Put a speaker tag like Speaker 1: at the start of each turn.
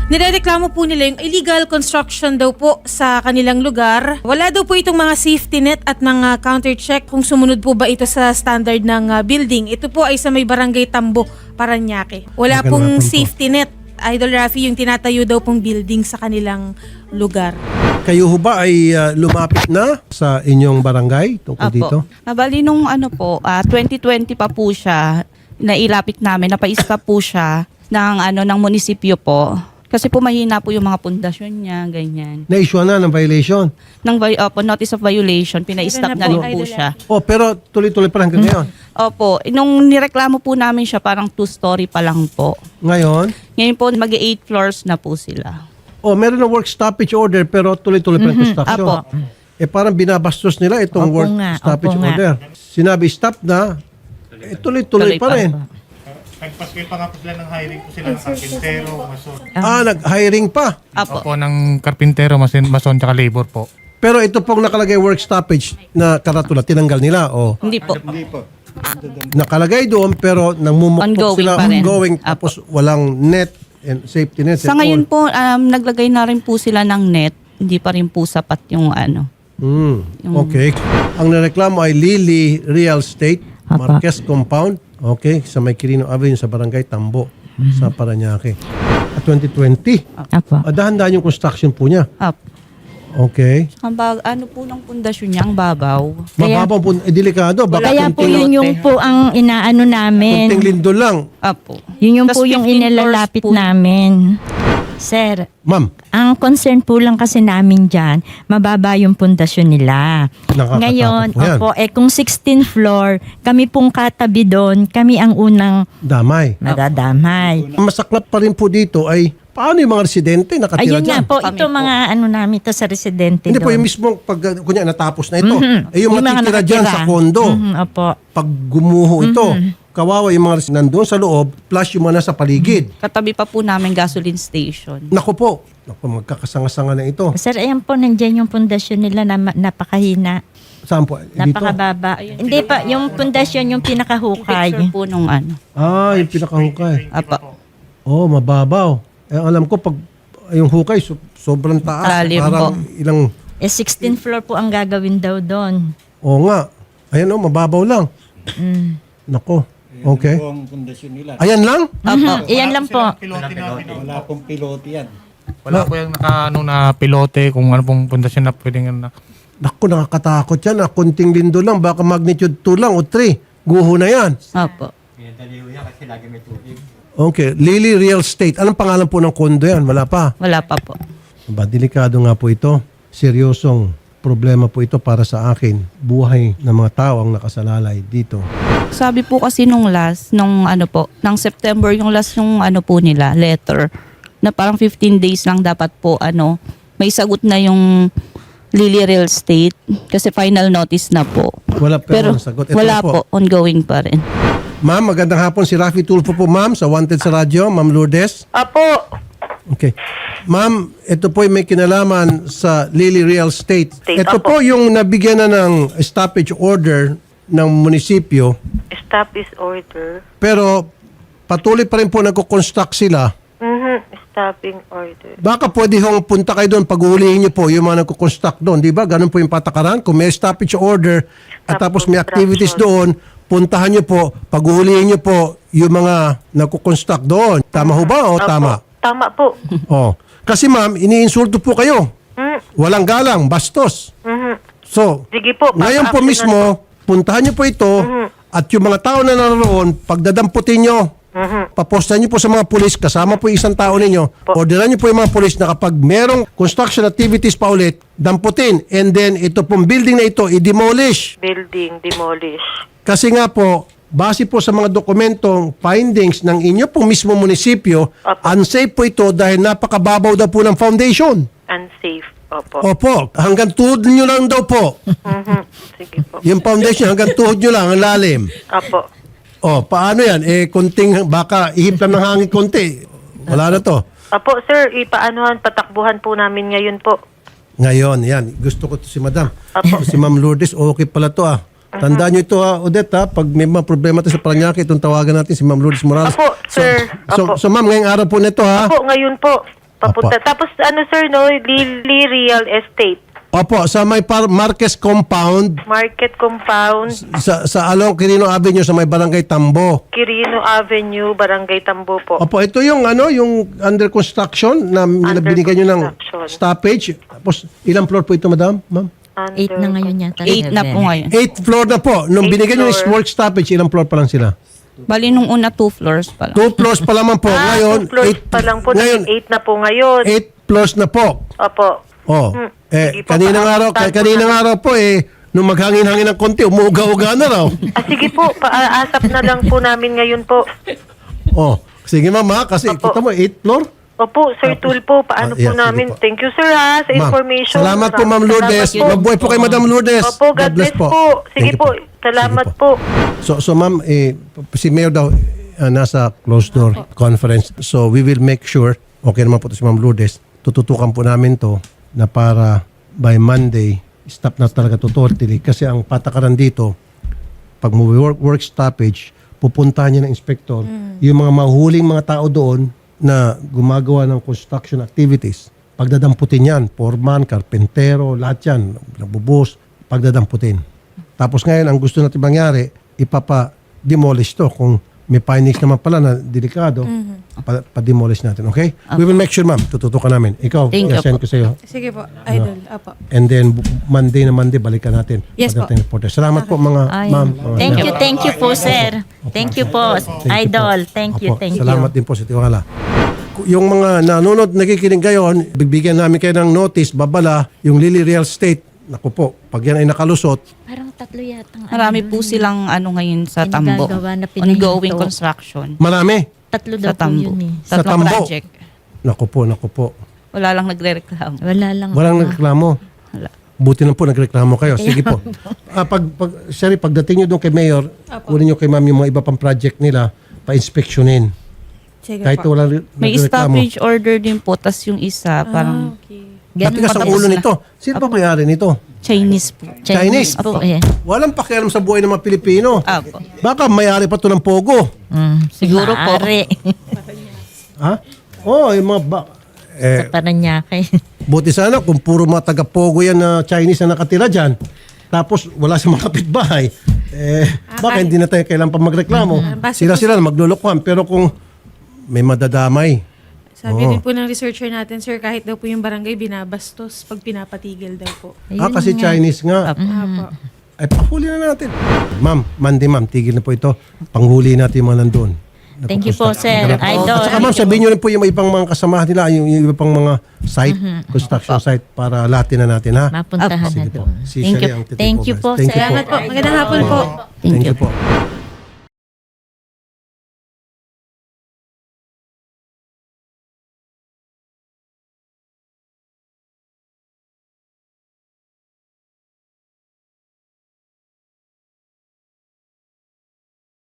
Speaker 1: Nirereklamo po nila yung illegal construction daw po sa kanilang lugar. Wala daw po itong mga safety net at mga counter-check kung sumunod po ba ito sa standard ng building. Ito po ay sa may barangay Tambo, Parañaque. Wala
Speaker 2: Magandang
Speaker 1: pong
Speaker 2: hapon po.
Speaker 1: safety net. Idol Rafi, yung tinatayo daw pong building sa kanilang lugar.
Speaker 2: Kayo ho ba ay lumapit na sa inyong barangay tungkol dito?
Speaker 3: Bali nung 2020 pa po siya, nailapit namin, napaista po siya ng munisipyo po. Kasi po mahina po yung mga pundasyon niya, ganyan.
Speaker 2: Na-issue na ng violation.
Speaker 3: Notice of violation, pina-stop
Speaker 1: Meron
Speaker 3: na
Speaker 1: na
Speaker 3: rin
Speaker 1: po,
Speaker 3: po
Speaker 1: Idol
Speaker 3: siya.
Speaker 2: Oh, pero tuloy-tuloy pa hanggang ngayon.
Speaker 3: Opo, nung nireklamo po namin siya, parang 2-story pa lang po.
Speaker 2: Ngayon,
Speaker 3: Ngayon po, mag-8 floors na po sila.
Speaker 2: oh, meron ng work stoppage order pero tuloy-tuloy pa ang construction.
Speaker 3: Apo.
Speaker 2: Parang binabastos nila itong
Speaker 4: Opo
Speaker 2: work
Speaker 4: nga,
Speaker 2: stoppage
Speaker 4: opo nga.
Speaker 2: order. Sinabi stop na, tuloy-tuloy pa rin.
Speaker 5: Nagpaskil pa nga po sila ng hiring po sila ng karpintero, mason.
Speaker 2: Nag-hiring pa.
Speaker 3: Apo.
Speaker 5: Opo, ng karpintero, mason, tsaka labor po.
Speaker 2: Pero ito pong nakalagay work stoppage na karatula, tinanggal nila. Oh.
Speaker 3: Hindi po.
Speaker 2: Nakalagay doon pero nangmumukpok
Speaker 3: Ongoing
Speaker 2: sila
Speaker 3: pa rin.
Speaker 2: ongoing
Speaker 3: Apo.
Speaker 2: tapos walang net and safety net.
Speaker 3: Sa
Speaker 2: and
Speaker 3: ngayon
Speaker 2: all.
Speaker 3: po, naglagay na rin po sila ng net. Hindi pa rin po sapat yung
Speaker 2: Okay. Ang nareklamo ay Lily Real Estate,
Speaker 4: Apa.
Speaker 2: Marquez Compound. Okay, sa May Quirino Avenue sa Barangay Tambo sa Parañaque. 2020.
Speaker 4: Apo.
Speaker 2: Dahan-dahan yung construction po niya.
Speaker 3: Apo.
Speaker 2: Okay.
Speaker 3: Ano po ng pundasyon niya, ang babaw.
Speaker 2: Mababaw po, delikado. Baka
Speaker 4: Kaya po
Speaker 2: kunting,
Speaker 4: yun yung po ang inaano namin.
Speaker 2: kunting lindol lang.
Speaker 3: Apo.
Speaker 4: Yun yung
Speaker 3: Tas
Speaker 4: po yung
Speaker 3: 15
Speaker 4: inilalapit
Speaker 3: floors po.
Speaker 4: namin. Sir,
Speaker 2: Ma'am,
Speaker 4: ang concern po lang kasi namin dyan, mababa yung pundasyon nila.
Speaker 2: Nakakatakot
Speaker 4: Ngayon,
Speaker 2: po yan.
Speaker 4: opo, kung 16th floor, kami pong katabi doon, kami ang unang
Speaker 2: damay.
Speaker 4: madadamay.
Speaker 2: Ang masaklap pa rin po dito ay paano yung mga residente nakatira
Speaker 4: Ayun nga
Speaker 2: dyan?
Speaker 4: po,
Speaker 3: Kami
Speaker 4: ito
Speaker 3: po.
Speaker 4: mga ano namin to sa residente
Speaker 2: Hindi po, yung
Speaker 4: doon.
Speaker 2: mismo pag kunya natapos na ito.
Speaker 4: Mhm.
Speaker 2: Yung
Speaker 4: mga
Speaker 2: matitira dyan
Speaker 4: nakatira.
Speaker 2: sa kondo.
Speaker 4: Mhm, opo.
Speaker 2: Pag gumuho ito, kawawa yung mga nandoon sa loob plus yung mga nasa paligid.
Speaker 3: Katabi pa po namin gasoline station.
Speaker 2: Naku po, magkakasanga-sanga na ito.
Speaker 4: Sir, ayan po, nandiyan yung pundasyon nila na napakahina.
Speaker 2: Saan po? Dito?
Speaker 4: Napakababa. Hindi pa, yung pundasyon yung
Speaker 3: Picture
Speaker 4: pinakahukay.
Speaker 3: po nung
Speaker 2: Yung pinakahukay.
Speaker 3: Apo.
Speaker 2: Oh, mababaw. Alam ko pag yung hukay sobrang taas.
Speaker 3: Lalim
Speaker 2: Parang
Speaker 3: po.
Speaker 2: ilang,
Speaker 4: 16th floor po ang gagawin daw doon.
Speaker 2: oo nga. Ayan mababaw lang. Nako. Okay.
Speaker 6: Po ang pundasyon nila.
Speaker 2: Ayan lang?
Speaker 4: Iyan lang po.
Speaker 5: Pilote namin.
Speaker 6: Wala pong pilote yan.
Speaker 5: Wala po yung na pilote, kung ano pong pundasyon na pwedeng na.
Speaker 2: Naku, nakakatakot yan. Kunting lindo lang. Baka magnitude 2 lang o 3. Guho na yan.
Speaker 3: Apo.
Speaker 2: Okay. Lily Real Estate. Anong pangalan po ng kondo yan? Wala pa.
Speaker 3: Wala pa po.
Speaker 2: Delikado nga po ito. Seryosong problema po ito para sa akin. Buhay ng mga tao ang nakasalalay dito.
Speaker 3: Sabi po kasi nung ng September yung last yung po nila, letter, na parang 15 days lang dapat po may sagot na yung Lily Real Estate kasi final notice na po.
Speaker 2: Wala pa
Speaker 3: Pero
Speaker 2: ang sagot. Ito
Speaker 3: wala
Speaker 2: na
Speaker 3: po, ongoing pa rin.
Speaker 2: Ma'am, magandang hapon. Si Rafi Tulfo po, ma'am, sa Wanted sa Radyo. Ma'am Lourdes.
Speaker 7: Apo,
Speaker 2: Okay. Ma'am, ito po may kinalaman sa Lily Real Estate.
Speaker 7: State,
Speaker 2: Ito
Speaker 7: opo.
Speaker 2: po yung nabigyan na ng stoppage order ng munisipyo,
Speaker 7: stop is order.
Speaker 2: pero patuloy pa rin po nagko-construct sila.
Speaker 7: Stopping order.
Speaker 2: Baka pwede hong punta kayo doon, paghuhulihin niyo po yung mga nagko-construct doon. Di ba? Ganun po yung patakaran. Kung may stoppage order at
Speaker 7: Stop
Speaker 2: tapos may activities
Speaker 7: construction.
Speaker 2: doon, puntahan niyo po, paghuhulihin niyo po yung mga nagko-construct doon. Tama ho ba o
Speaker 7: Opo.
Speaker 2: tama?
Speaker 7: Tama po.
Speaker 2: Oh. Kasi ma'am, iniinsulto po kayo.
Speaker 7: Mm,
Speaker 2: Walang galang, bastos. So,
Speaker 7: Sige po.
Speaker 2: ngayon po
Speaker 7: papa-action
Speaker 2: mismo, puntahan niyo po ito at yung mga tao na naroon, pagdadamputin niyo, papostahan niyo po sa mga pulis, kasama po yung isang tao ninyo, orderan niyo po yung mga pulis na kapag merong construction activities pa ulit, damputin. And then, ito pong building na ito, i-demolish.
Speaker 7: Building, demolish.
Speaker 2: Kasi nga po, base po sa mga dokumentong findings ng inyo pong mismo munisipyo,
Speaker 7: Opo.
Speaker 2: unsafe po ito dahil napakababaw daw po ng foundation.
Speaker 7: Unsafe. Opo.
Speaker 2: Opo, hanggang tuhod nyo lang daw po.
Speaker 7: Sige po.
Speaker 2: Yung foundation, hanggang tuhod nyo lang, ang lalim.
Speaker 7: Opo.
Speaker 2: O, paano yan? Kunting, baka ihip lang ng hangin konti. Wala na to.
Speaker 7: Opo, sir, patakbuhan po namin ngayon po.
Speaker 2: Ngayon, yan. Gusto ko to si Madam.
Speaker 7: Apo.
Speaker 2: Si Ma'am Lourdes, okay pala to ah. Tandaan nyo ito ha, Odette ha. Pag may mga problema tayo sa Parañaque, itong tawagan natin si Ma'am Lourdes Morales.
Speaker 7: Apo, sir. Apo.
Speaker 2: So Ma'am, ngayong araw po nito ha.
Speaker 7: Opo, ngayon po. Papunta. Tapos ano sir, no, Lily Real Estate.
Speaker 2: Opo, sa may Marquez Compound,
Speaker 7: Market Compound,
Speaker 2: sa along Quirino Avenue sa may Barangay Tambo.
Speaker 7: Quirino Avenue, Barangay Tambo po.
Speaker 2: Opo, ito yung yung under construction na
Speaker 7: Under
Speaker 2: binigyan nyo ng
Speaker 7: construction.
Speaker 2: stoppage. Tapos ilang floor po ito, madam? Ma'am?
Speaker 4: 8 na ngayon yata.
Speaker 3: 8 na po ngayon.
Speaker 2: 8th floor na po. Nung
Speaker 7: Eighth
Speaker 2: binigyan nyo ng
Speaker 7: floor.
Speaker 2: work stoppage, ilang floor pa lang sila?
Speaker 3: Bali nung una 2 floors pa lang.
Speaker 2: 2 floors pa lamang po. Ngayon,
Speaker 7: 2 floors pa lang po.
Speaker 2: Ngayon,
Speaker 7: 8 na po ngayon.
Speaker 2: 8 floors na po.
Speaker 7: Opo.
Speaker 2: Oh.
Speaker 7: Sige po,
Speaker 2: Kaninang araw po nung maghangin-hangin ng konti, umuuga-uga na raw.
Speaker 7: Sige po, paasap na lang po namin ngayon po.
Speaker 2: Oh. Sige ma'am ha, kasi
Speaker 7: Opo.
Speaker 2: kita mo 8th floor.
Speaker 7: Opo, Sir Tulpo, paano
Speaker 2: yeah,
Speaker 7: po
Speaker 2: sige
Speaker 7: namin?
Speaker 2: po.
Speaker 7: Thank you sir ha, sa
Speaker 2: Ma'am,
Speaker 7: information.
Speaker 2: salamat po ma'am Lourdes.
Speaker 7: Salamat po.
Speaker 2: Mabuhay po kay Madam Lourdes.
Speaker 7: Opo, God bless po. Sige
Speaker 2: Thank you
Speaker 7: po, salamat
Speaker 2: Sige
Speaker 7: po.
Speaker 2: So ma'am, si Mayor daw nasa closed door conference. So we will make sure, okay naman po to si Ma'am Lourdes, tututukan po namin to na para by Monday, stop na talaga to totally. Kasi ang patakaran dito, pag work stoppage, pupuntahan niya ng inspector, yung mga mahuling mga tao doon na gumagawa ng construction activities, pagdadamputin yan, foreman, karpentero, lahat yan, nagbubuhos, pagdadamputin. Tapos ngayon, ang gusto natin mangyari, ipapa-demolish to. Kung may findings naman pala na delikado, pa-demolish natin, okay? We will make sure, ma'am, tututukan namin. Ikaw,
Speaker 3: Thank you
Speaker 2: i-send ko sa iyo.
Speaker 1: Sige po, idol. Apo.
Speaker 2: And then, Monday na Monday, balikan natin.
Speaker 1: Yes po.
Speaker 2: Pagdating reporter. Salamat po, mga ma'am. mga sir.
Speaker 4: Thank you po, sir. Thank you po,
Speaker 2: Thank you
Speaker 4: Idol.
Speaker 2: po.
Speaker 4: Thank you,
Speaker 2: Opo,
Speaker 4: thank you.
Speaker 2: Salamat din po sa tiwala. Yung mga nanonood, nakikinig ngayon, bibigyan namin kayo ng notice, babala, yung Lily Real Estate. Naku po, pag yan ay nakalusot,
Speaker 4: Parang 3 yata.
Speaker 3: Marami po silang ngayon sa Tambo.
Speaker 4: Pinagagawa na pinahinto.
Speaker 3: Ongoing construction.
Speaker 2: marami.
Speaker 4: 3
Speaker 3: Sa
Speaker 4: daw po
Speaker 3: Tambo.
Speaker 4: yun eh.
Speaker 2: Sa
Speaker 3: Tatlong
Speaker 2: Tambo.
Speaker 3: project.
Speaker 2: Naku po.
Speaker 3: Wala lang nagre-reklamo.
Speaker 4: Wala lang.
Speaker 2: Walang nagreklamo.
Speaker 3: Wala.
Speaker 2: Buti na po nagreklamo kayo. Sige po. Pagdating nyo doon kay Mayor, kunin nyo kay Ma'am yung mga iba pang project nila, pa-inspeksyonin.
Speaker 1: Sige
Speaker 2: Kahit
Speaker 1: po.
Speaker 2: wala
Speaker 3: May
Speaker 2: nagreklamo.
Speaker 3: stoppage order din po. Tas yung isa, parang
Speaker 1: Okay.
Speaker 2: Matigas ang ulo nito. Sino pa may-ari nito?
Speaker 3: Chinese po.
Speaker 2: Chinese.
Speaker 4: po eh.
Speaker 2: Walang pakialam sa buhay ng mga Pilipino.
Speaker 3: Apo.
Speaker 2: Baka may-ari pa to ng Pogo.
Speaker 3: Siguro po.
Speaker 4: Maaari.
Speaker 2: Ha? Oo, yung mga
Speaker 4: Sa Paranaque.
Speaker 2: buti sana kung puro mga taga-Pogo yan na Chinese na nakatira dyan. Tapos wala sa mga kapitbahay. Baka hindi na tayo kailangan pa magreklamo.
Speaker 1: Base
Speaker 2: Sila na maglulukuhan. Pero kung may madadamay,
Speaker 1: Sabi din po ng researcher natin, sir, kahit daw po yung barangay binabastos pag pinapatigil daw po.
Speaker 2: kasi Chinese nga.
Speaker 1: Apo.
Speaker 2: Ay, panghuli na natin. Ma'am, Monday ma'am, tigil na po ito. Panghuli natin yung mga nandun.
Speaker 4: Thank you po, sir. Idol.
Speaker 2: At saka ma'am, sabihin nyo rin po yung ibang mga kasamahan nila, yung iba pang mga site, construction site, para latin na natin, ha?
Speaker 4: Mapuntahan na
Speaker 2: Sige po.
Speaker 4: doon.
Speaker 2: Si
Speaker 4: Thank
Speaker 2: Shari
Speaker 4: you.
Speaker 2: ang titipo,
Speaker 4: Thank you
Speaker 2: guys.
Speaker 4: po,
Speaker 2: Thank you
Speaker 4: sir.
Speaker 1: Salamat po. Magandang hapon po.
Speaker 2: Thank you po.